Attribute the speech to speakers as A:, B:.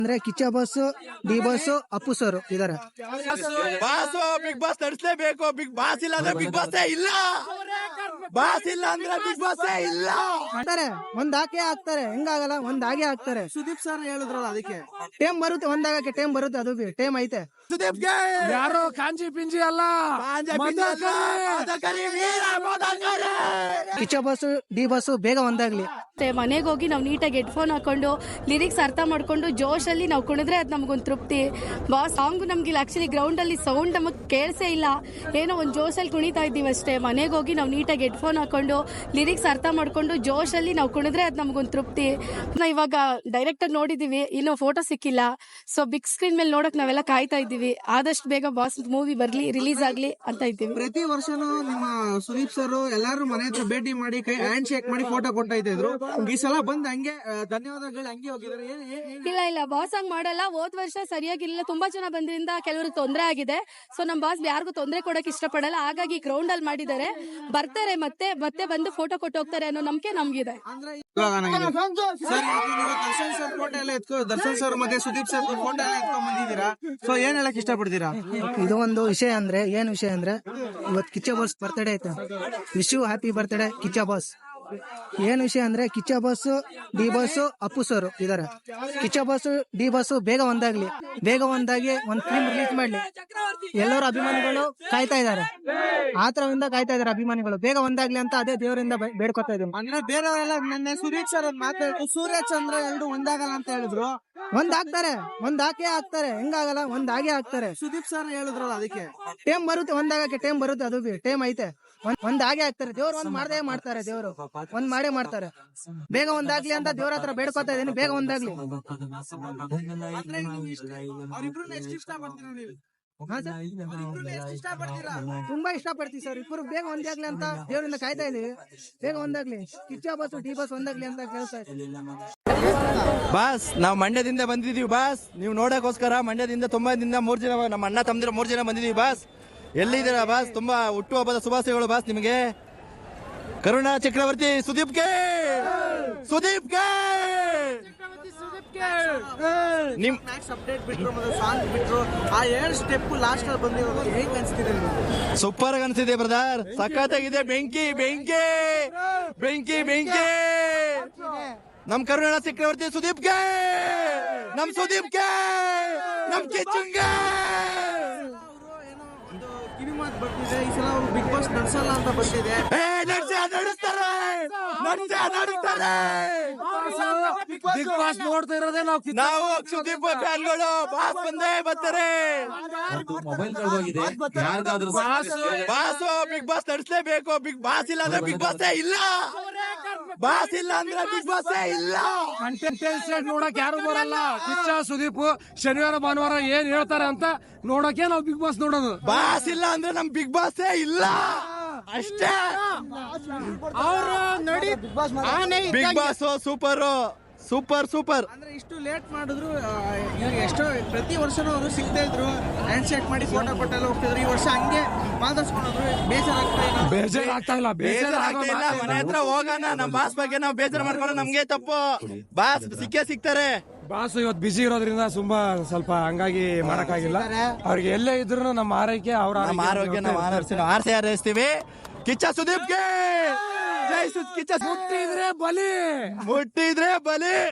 A: ಅಂದ್ರೆ Kichcha boss, D boss, Appu sir ಇದಾರೆ.
B: Boss big boss ನಡೆಸಲೇಬೇಕು. ಬಿಗ್ ಬಾಸ್ ಇಲ್ಲ ಅಂದ್ರೆ ಬಿಗ್ ಬಾಸ್ ಇಲ್ಲ. ಬಾಸ್ ಇಲ್ಲ ಅಂದ್ರೆ ಬಿಗ್ ಬಾಸ್ ಇಲ್ಲ
A: ಅಂತಾರೆ. ಒಂದ್ ಹಾಕೇ ಹಾಕ್ತಾರೆ, ಹೆಂಗಾಗಲ್ಲ, ಒಂದ್ ಹಾಗೆ ಹಾಕ್ತಾರೆ.
C: ಸುದೀಪ್ ಸರ್ ಹೇಳಿದ್ರಲ್ಲ, ಅದಕ್ಕೆ
A: ಟೈಮ್ ಬರುತ್ತೆ, ಒಂದಾಗಕ್ಕೆ ಟೈಮ್ ಬರುತ್ತೆ, ಅದು ಟೈಮ್ ಐತೆ.
B: ಸುದೀಪ್ಗೆ
D: ಯಾರೋ ಕಾಂಜಿ ಪಿಂಜಿ ಅಲ್ಲ,
A: ಕಿಚ್ಚ ಬಾಸ್, ಡಿ ಬಾಸ್ ಬೇಗ ಒಂದಾಗ್ಲಿ.
E: ಮನೆಗೆ ಹೋಗಿ ನಾವು ನೀಟಾಗಿ ಹೆಡ್ಫೋನ್ ಹಾಕೊಂಡು ಲಿರಿಕ್ಸ್ ಅರ್ಥ ಮಾಡ್ಕೊಂಡು ಜೋಶಲ್ಲಿ ನಾವು ಕುಣಿದ್ರೆ ಅದು ನಮಗೊಂದು ತೃಪ್ತಿ. ಬಾಸ್ ಸಾಂಗ್ ನಮ್ಗಿಲ್ಲ, ಆಕ್ಚುಲಿ ಗ್ರೌಂಡ್ ಅಲ್ಲಿ ಸೌಂಡ್ ನಮಗ್ ಕೇಳಿಸೇ ಇಲ್ಲ, ಏನೋ ಒಂದು ಜೋಶಲ್ಲಿ ಕುಣಿತಾ ಇದ್ದೀವಿ ಅಷ್ಟೇ. ಮನೆಗೆ ಹೋಗಿ ನಾವು ನೀಟಾಗಿ ಹೆಡ್ಫೋನ್ ಹಾಕೊಂಡು ಲಿರಿಕ್ಸ್ ಅರ್ಥ ಮಾಡ್ಕೊಂಡು ಜೋಶಲ್ಲಿ ನಾವು ಕುಣಿದ್ರೆ ಅದು ನಮಗೊಂದು ತೃಪ್ತಿ. ಇವಾಗ ಡೈರೆಕ್ಟ್ ಆಗಿ ನೋಡಿದೀವಿ, ಇನ್ನೂ ಫೋಟೋ ಸಿಕ್ಕಿಲ್ಲ. ಸೊ ಬಿಗ್ ಸ್ಕ್ರೀನ್ ಮೇಲೆ ನೋಡಕ್ ನಾವೆಲ್ಲ ಕಾಯ್ತಾ ಇದ್ದೀವಿ. ಆದಷ್ಟು ಬೇಗ ಬಾಸ್ ಮೂವಿ ಬರ್ಲಿ, ರಿಲೀಸ್ ಆಗ್ಲಿ ಅಂತ ಇದ್ದೀವಿ.
C: ಪ್ರತಿ ವರ್ಷನೂ ನಿಮ್ಮ ಸುದೀಪ್ ಸರ್ ಎಲ್ಲಾರು ಮನೆ ಹತ್ರ ಭೇಟಿ ಮಾಡಿ ಕೈ ಹ್ಯಾಂಡ್ ಶೇಕ್ ಮಾಡಿ ಫೋಟೋ ಕೊಡ್ತಾ ಇದ್ರು. ಈ ಸಲ ಬಂದ್ ಹಂಗೆ ಧನ್ಯವಾದಗಳು ಹಂಗೆ ಹೋಗಿದ್ದಾರೆ.
E: ಇಲ್ಲ ಬಾಸ್ ಹಂಗ್ ಮಾಡಲ್ಲ. ಹೋದ್ ವರ್ಷ ಸರಿಯಾಗಿರ್ಲಿಲ್ಲ, ತುಂಬಾ ಜನ ಬಂದ್ರಿಂದ ಕೆಲವ್ರಿಗೆ ತೊಂದರೆ ಆಗಿದೆ. ಸೊ ನಮ್ ಬಾಸ್ ಯಾರಿಗೂ ತೊಂದರೆ ಕೊಡಕ್ ಇಷ್ಟಪಡಲ್ಲ, ಹಾಗಾಗಿ ಗ್ರೌಂಡ್ ಅಲ್ಲಿ ಮಾಡಿದ್ದಾರೆ. ಬರ್ತಾರೆ ಮತ್ತೆ ಬಂದು ಫೋಟೋ ಕೊಟ್ಟು ಹೋಗ್ತಾರೆ ಅನ್ನೋ ನಂಬಿಕೆ ನಮ್ಗಿದೆ.
C: ದರ್ಶನ್ ಸರ್ ಮತ್ತೆ ಸುದೀಪ್ ಸರ್ ಫೋಟೋ ಎಲ್ಲ ಎತ್ಕೊಂಡ್ ಬಂದಿದ್ದೀರಾ. ಸೊ ಏನ್ ಹೇಳಕ್ ಇಷ್ಟಪಡ್ತೀರಾ?
A: ಇದು ಒಂದು ವಿಷಯ ಅಂದ್ರೆ, ಏನ್ ವಿಷಯ ಅಂದ್ರೆ, ಇವತ್ತು ಕಿಚ್ಚ ಬಾಸ್ ಬರ್ತ್ಡೇ ಐತೆ. Wish you happy birthday Kichcha boss. ಏನ್ ವಿಷಯ ಅಂದ್ರೆ Kichcha boss, D boss, Appu sir ಇದಾರೆ. ಕಿಚ್ಚ ಬಾಸ್, ಡಿ ಬಾಸ್ ಬೇಗ ಒಂದಾಗ್ಲಿ, ಬೇಗ ಒಂದಾಗಿ ಒಂದ್ ಫಿಲ್ಮ್ ರಿಲೀಸ್ ಮಾಡ್ಲಿ. ಎಲ್ಲರೂ ಅಭಿಮಾನಿಗಳು ಕಾಯ್ತಾ ಇದಾರೆ, ಆತರದಿಂದ ಕಾಯ್ತಾ ಇದಾರೆ ಅಭಿಮಾನಿಗಳು. ಬೇಗ ಒಂದಾಗ್ಲಿ ಅಂತ ಅದೇ ದೇವರಿಂದ ಬೇಡ್ಕೊತಾ ಇದ್ದೀನಿ.
C: ಅಂದ್ರೆ ಬೇರೆಯವರೆಲ್ಲ ನಿನ್ನೆ ಸುದೀಪ್ ಸರ್ ಮಾತಾಡಿದ್ರು, ಸೂರ್ಯ ಚಂದ್ರ ಎರಡು ಒಂದಾಗಲ್ಲ ಅಂತ ಹೇಳಿದ್ರು.
A: ಒಂದ್ ಹಾಕ್ತಾರೆ, ಒಂದ್ ಹಾಕೇ ಹಾಕ್ತಾರೆ, ಹೆಂಗಾಗಲ್ಲ, ಒಂದ್ ಹಾಗೆ ಹಾಕ್ತಾರೆ.
C: ಸುದೀಪ್ ಸರ್ ಹೇಳಿದ್ರಲ್ಲ, ಅದಕ್ಕೆ
A: ಟೈಮ್ ಬರುತ್ತೆ, ಒಂದಾಗಕ್ಕೆ ಟೈಮ್ ಬರುತ್ತೆ, ಅದು ಟೈಮ್ ಐತೆ. ಒಂದ್ ಹಾಗೆ ಹಾಕ್ತಾರೆ. ದೇವ್ರು ಒಂದ್ ಮಾಡದೇ ಮಾಡ್ತಾರೆ, ದೇವ್ರು ಒಂದ್ ಮಾಡೇ ಮಾಡ್ತಾರೆ. ಬೇಗ ಒಂದಾಗ್ಲಿ ಅಂತ ದೇವ್ರ ಹತ್ರ ಬೇಡ್ಕೊತಾ ಇದೀನಿ, ಬೇಗ ಒಂದಾಗ್ಲಿ. ತುಂಬಾ ಇಷ್ಟಪಡ್ತೀವಿ ಸರ್, ಇಬ್ಬರು ಬೇಗ ಒಂದಾಗ್ಲಿ ಅಂತ ದೇವರಿಂದ ಕಾಯ್ತಾ ಇದೀವಿ. ಬೇಗ ಒಂದಾಗ್ಲಿ, ಕಿಚ್ಚ ಬಾಸ್, ಡಿ ಬಾಸ್ ಒಂದಾಗ್ಲಿ ಅಂತ ಕೇಳ್ತಾ ಇದ್ದೀವಿ.
B: ಬಾಸ್ ನಾವು ಮಂಡ್ಯದಿಂದ ಬಂದಿದೀವಿ ಬಾಸ್. ನೀವು ನೋಡಕ್ಕೋಸ್ಕರ ಮಂಡ್ಯದಿಂದ ತುಂಬಾ ದಿನ 3 ಜನ ನಮ್ಮ ಅಣ್ಣ ತಮ್ಮದಿರ 3 ಜನ ಬಂದಿದೀವಿ ಬಾಸ್. ಎಲ್ಲಿದ್ದೀರಾ ಬಾಸ್? ತುಂಬಾ ಹುಟ್ಟುಹಬ್ಬದ ಶುಭಾಶಯಗಳು ಬಾಸ್ ನಿಮಗೆ. ಕರುಣಾ ಚಕ್ರವರ್ತಿ ಸುದೀಪ್ಗೆ, ಸುದೀಪ್ಗೆ ನಿಮ್
C: ಅಪ್ಡೇಟ್ ಬಿಟ್ರು ಮತ್ತೆ ಸಾಂಗ್ ಬಿಟ್ರು, ಆ 2 ಸ್ಟೆಪ್ ಲಾಸ್ಟ್ ಅಲ್ಲಿ ಬಂದಿರೋದು ಹೇಗೆ ಅನ್ಸ್ತಿದೆ?
B: ಸೂಪರ್ ಆಗಿ ಅನ್ಸಿದೆ ಬ್ರದರ್, ಸಖತ್ತಾಗಿದೆ. ಬೆಂಕಿ ಬೆಂಕಿ ಬೆಂಕಿ ಬೆಂಕಿ. ನಮ್ ಕರುಣಾ ಚಕ್ರವರ್ತಿ ಸುದೀಪ್ಗೆ, ನಮ್ ಸುದೀಪ್ಗೆ, ನಮ್ ಕಿಚ್ಚುಂಗೆ.
C: ಕಿವಿ ಮಾತು ಬರ್ತಿದೆ, ಈ ಸಲ ಅವರು ಬಿಗ್ ಬಾಸ್ ನಡ್ಸಲ್ಲ ಅಂತ ಬಂದಿದೆ.
B: ನಡೆಸ್ತಾರೆ.
D: ಬಿಗ್ ಬಾಸ್ ನೋಡ್ತಾ ಇರೋದೇ
B: ನಾವು ಸುದೀಪ್ ಫ್ಯಾನ್ಗಳು. ಬಾಸ್ ಬಂದೇ ಬರ್ತಾರೆ. ಬಾಸ್ ಬಿಗ್ ಬಾಸ್ ನಡೆಸಲೇಬೇಕು. ಬಿಗ್ ಬಾಸ್ ಇಲ್ಲ ಅಂದ್ರೆ ಬಿಗ್ ಬಾಸ್ ಇಲ್ಲ. ಬಾಸ್ ಇಲ್ಲ ಅಂದ್ರೆ ಬಿಗ್ ಬಾಸ್ ಇಲ್ಲ.
D: ಕಂಟೆಂಟ್ ನೋಡಕ್ ಯಾರು ಬರಲ್ಲ. ಕಿಚ್ಚ ಸುದೀಪ್ ಶನಿವಾರ ಭಾನುವಾರ ಏನ್ ಹೇಳ್ತಾರೆ ಅಂತ ನೋಡಕ್ಕೆ ನಾವು ಬಿಗ್ ಬಾಸ್ ನೋಡೋದು.
B: ಬಾಸ್ ಇಲ್ಲ ಅಂದ್ರೆ ನಮ್ ಬಿಗ್ ಬಾಸ್ ಇಲ್ಲ ಅಷ್ಟೇ.
D: ಅವರು ನೋಡಿ
B: big boss super super super.
C: ಅಂದ್ರೆ ಇಷ್ಟು ಲೇಟ್ ಮಾಡಿದ್ರು, ಎಷ್ಟೋ ಪ್ರತಿ ವರ್ಷನೂ ಅವರು ಸಿಗ್ತಾ ಇದ್ರು, ಹ್ಯಾಂಡ್ ಶೇಕ್ ಮಾಡಿ ಫೋಟೋ ಕೊಟ್ಟೆಲ್ಲ ಹೋಗ್ತಿದ್ರು. ಈ ವರ್ಷ ಹಂಗೆ ಮಾತಾಡ್ಸ್ಕೊಂಡ್ರು.
D: ಬೇಜಾರಾಗ್ತಾ ಇಲ್ಲ.
B: ಮನೆ ಹತ್ರ ಹೋಗೋಣ, ನಮ್ ಬಾಸ್ ಬಗ್ಗೆ ನಾವು ಬೇಜಾರು ಮಾಡ್ಕೊಂಡು ನಮ್ಗೆ ತಪ್ಪು. ಬಾಸ್ ಸಿಗ್ತಾರೆ.
D: ಬಾಸ್ ಇವತ್ತು ಬಿಸಿ ಇರೋದ್ರಿಂದ ಸ್ವಲ್ಪ ಹಂಗಾಗಿ ಮಾಡಕ್ಕಾಗಿಲ್ಲ. ಅವ್ರಿಗೆ ಎಲ್ಲೇ ಇದ್ರು ನಮ್ಮ ಆರೈಕೆ, ಅವ್ರ
B: ಆರೋಗ್ಯ ನಾವು ಆರ್ಸಿ ಹಾರೈಸ್ತೀವಿ. ಕಿಚ್ಚ ಸುದೀಪ್ಗೆ ಜೈ ಕಿಚ್ಚ.
D: ಮುಟ್ಟಿದ್ರೆ ಬಲಿ.